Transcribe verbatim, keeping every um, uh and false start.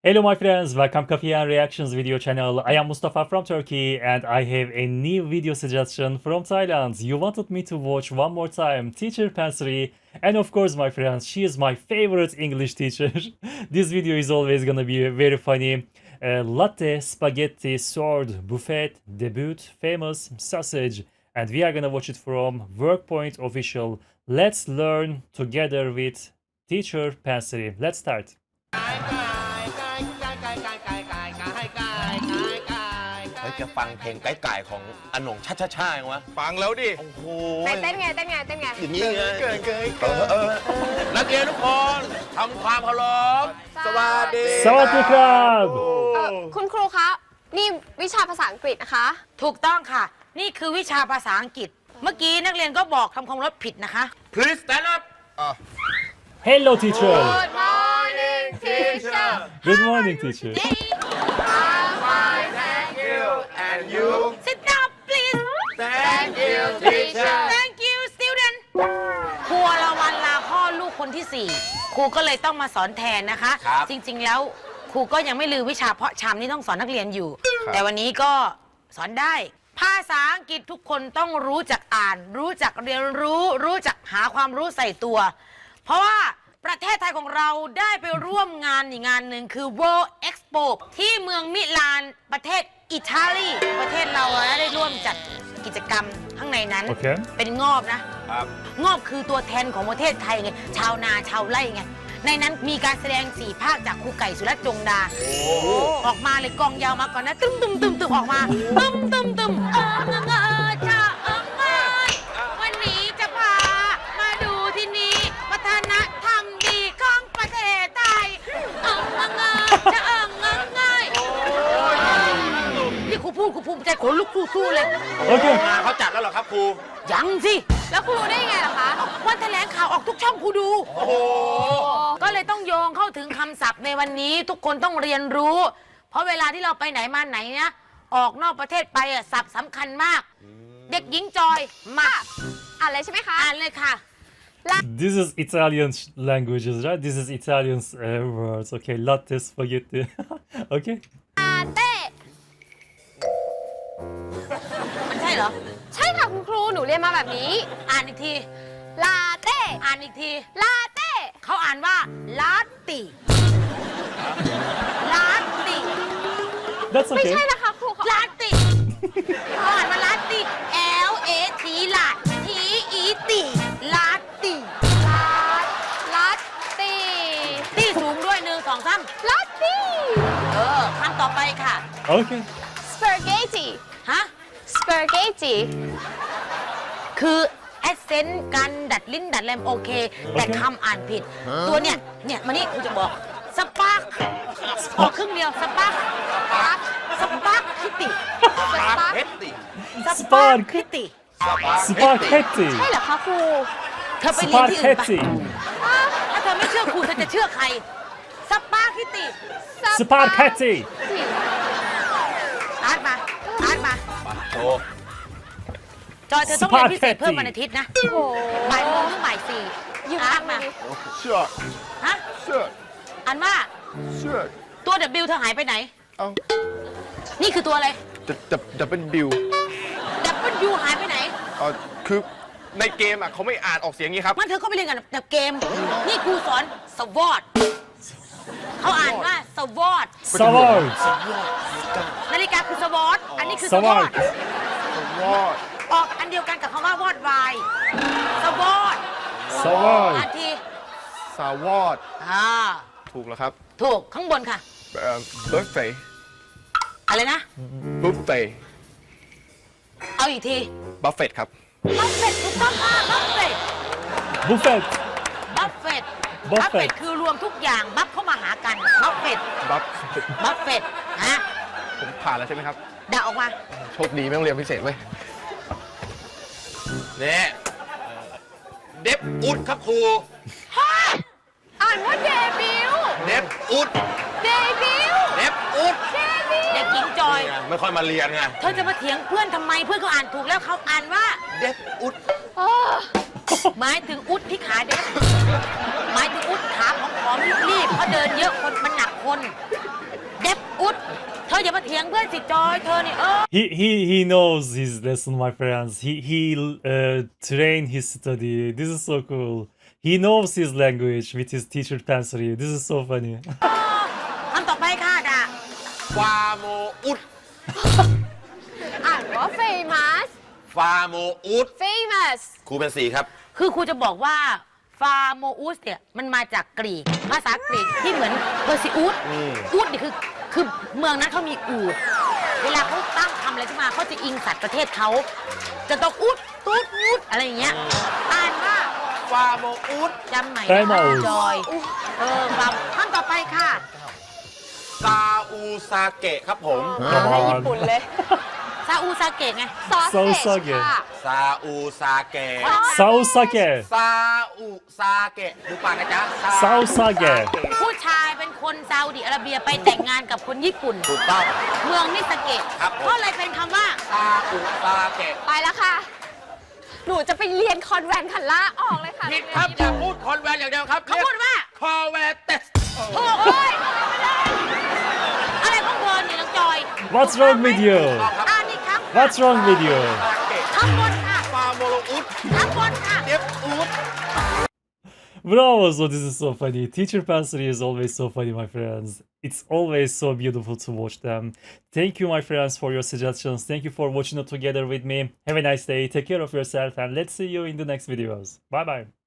Hello my friends, welcome Coffee and Reactions video channel. I am Mustafa from Turkey and I have a new video suggestion from Thailand. You wanted me to watch one more time Teacher Pansori, and of course my friends, she is my favorite English teacher. This video is always gonna be very funny. Uh, latte, spaghetti, sword, buffet, debut, famous, sausage, and we are gonna watch it from Workpoint official. Let's learn together with Teacher Pansori. Let's start. เฮ้ยจะฟังเพลงไก่ไก่ของอโหน่งช่าช่าช่ายังวะฟังแล้วดิโอ้โหไหนเต้นไงเต้นไงเต้นไงอย่างนี้ไงเกินเกินเออเออนักเรียนทุกคนทำความเคารพสวัสดีสวัสดีครับเอ่อคุณครูคะ นี่วิชาภาษาอังกฤษนะคะถูกต้องค่ะ นี่คือวิชาภาษาอังกฤษ เมื่อกี้นักเรียนก็บอกทำความเคารพผิดนะคะ please stand up Hello teacher. Good morning teacher Good morning teacher. Thank you and you Sit down please Thank you teacher Thank you student ครูละวันลาพ่อลูกคนที่สี่ครูก็เลยต้องมาสอนแทนนะคะครับจริงๆแล้วครูก็ยังไม่ลืมวิชาเพาะชำนี่ต้องสอนนักเรียนอยู่ แต่วันนี้ก็สอนได้ ภาษาอังกฤษทุกคนต้องรู้จักอ่าน รู้จักเรียนรู้ รู้จักหาความรู้ใส่ตัว เพราะว่าประเทศไทยของเราได้ไปร่วมงานอีกงานหนึ่งคือ World Expo ที่เมืองมิลานประเทศอิตาลีประเทศเราได้ร่วมจัดกิจกรรมข้างในนั้นโอเคเป็นงอบนะครับงอบคือตัวแทนของประเทศไทยไงชาวนาชาวไร่ไงในนั้นมีการแสดงสี่ภาคจากครูไก่สุรัตน์จงดาออกมาเลยกองยาวมาก่อนนะตึ้มตึ้มตึ้มตึ้มออกมาตึ้มตึ้มตึ้มเออเงอเงอชาเออเงยวันนี้จะพามาดูที่นี่วัฒนธรรมดีของประเทศไทยเออเงอเงอชาเออเงอเงยนี่ครูพูดครูภูมิใจขนลุกครูสู้เลย Okay. งานเขาจัดแล้วเหรอครับครูยังสิแล้วครูรู้ได้ยังไงล่ะคะวันแถลงข่าวออกทุกช่องครูดูโอ้โหก็เลยต้องโยงเข้าถึงคำศัพท์ในวันนี้ทุกคนต้องเรียนรู้ เพราะเวลาที่เราไปไหนมาไหนเนี่ยออกนอกประเทศไปอะศัพท์สำคัญมาก เด็กหญิงจอยมาอ่านเลยใช่ไหมคะอ่านเลยค่ะ This is Italian sh- languages, right? This is Italian uh, words. Okay, latte, spaghetti. Okay. ลาเต้มันใช่เหรอใช่ค่ะคุณครู หนูเรียนมาแบบนี้อ่านอีกทีลาเต้อ่านอีกทีลาเต้เขาอ่านว่าลาติลาติ That's ไม่ okay. ใช่นะคะครูเขาลาติเขาอ่านว่าลาติ L A T ลา T E ติลาติลาลาตีที่สูงด้วยหนึ่งสองสามลาตีเออคำต่อไปค่ะ Okay. สปาเกตตีฮะสปาเกตตีคือแอสเซนต์การดัดลิ้นดัดแรมโอเค แต่คำอ่านผิด ตัวเนี่ย เนี่ยมานี่กูจะบอก สปาร์คออกครึ่งเดียว สปาร์คสปาร์คสปาร์คคิติสปาเพชรดิสปาร์คคิติ Spaghetti. ใช่เหรอคะครูเธอไปเรียนที่อื่นไป Spaghetti. ถ้าเธอไม่เชื่อครูเธอจะเชื่อใคร สปาร์คคิติ Spaghetti. อาร์ตมา อาร์ตมามาโชว์จอยเธอต้องเรียนพิเศษเพิ่มวันอาทิตย์นะโอ้โหบ่ายโมงถึงบ่ายสี่อยู่อาข้าร์ตงมานี้เชื่อฮะเชื่ออ่านว่าเชื่อตัว W เธอหายไปไหนเอ้านี่คือตัวอะไรจะจะจะเป็นบิว W หายไปไหนเออคือในเกมอ่ะเขาไม่อ่านออกเสียงอย่างนี้ครับมันเธอก็ไปเรียนกันแบบเกม นี่ครูสอนสวอตเขาอ่านว่าสวอต Savard. นาฬิกาคือสวอตอันนี้คือสวอ Savard. ตวอดออกอันเดียวกันกับคำว่าวอดวายสวอต Savard. อันทีสาวอดอ่าถูกแล้วครับถูกข้างบนค่ะเอ่อบุฟเฟ่อะไรนะบุฟเฟ่เอาอีกทีบัฟเฟตครับบัฟเฟตถูกต้องค่ะบัฟเฟต Buffet. บัฟเฟต Buffet บัฟเฟตคือรวมทุกอย่างบัฟเข้ามาหากันบัฟเฟตบัฟบัฟเฟตฮะผมผ่านแล้วใช่ไหมครับด่าออกมาโชคดีไม่ต้องเรียนพิเศษเว้ยเนี่ยเดฟอุดครับครูอ่านว่าเดบิวเดฟอุดเดบิวเดฟอุดเดบิวเด็กหญิงจอยไม่ค่อยมาเรียนไงเธอจะมาเถียงเพื่อนทำไมเพื่อนเขาอ่านถูกแล้วเขาอ่านว่าเดฟอุดโอ้หมายถึงอุดที่ขาเด็กหมายถึงอุดขาของผอมๆรีบๆเพราะเดินเยอะคนมันหนักคนเด็บอุดเธออย่ามาเถียงเพื่อนสิจอยเธอนี่เออ He he he knows his lesson, my friends. He he uh, trained his study. This is so cool. He knows his language with his teacher Pansori. This is so funny. คำต่อไปค่ะดาฟาโมอุดอ่านว่า famous ฟาโมอุด famous ครูเป็นสีครับคือครูจะบอกว่าฟาโมอุสเนี่ยมันมาจากกรีกภาษากรีกที่เหมือนเพอร์ซิอุสอืมอุสนี่คือคือเมืองนั้นเขามีอูฐเวลาเขาตั้งคำอะไรขึ้นมาเขาจะอิงสัตว์ประเทศเขาจะต้องอุดตูดอุดอะไรอย่างเงี้ยอ่านว่าฟาโมอุดจำใหม่ได้นะหมดจอยเออฟังคำต่อไปค่ะซาอูซาเกะครับผม Come ในญี่ on. ปุ่นเลยซาอูซาเกะไง sausage Sausage ค่ะซาอูซาเกะ Sausage. ซาอูซาเกะดูปากนะจ๊ะซาอูซาเกะผู้ชายเป็นคนซาอุดิอาระเบียไปแต่งงานกับคนญี่ปุ่นถูกต้องเมืองนิสเกะครับผมก็เลยเป็นคำว่าซาอูซาเกะไปแล้วค่ะ หนูจะไปเรียนคอนแวนต์คันล่าออกเลยค่ะผิดครับอย่าพูดคอนแวนอย่างเดียวครับเขาพูดว่าคอแวนเตสโอ้โอ้ยอะไรของเธอเนี่ยน้องจอย What's wrong with you? อ่านอีกครั้ง What's wrong with you? ซาเกะข้างบนค่ะฟาโมโลอุดข้างบนค่ะเดฟอุด Bravo! So this is so funny. Teacher Pansori is always so funny, my friends. It's always so beautiful to watch them. Thank you, my friends, for your suggestions. Thank you for watching it together with me. Have a nice day. Take care of yourself, and let's see you in the next videos. Bye bye.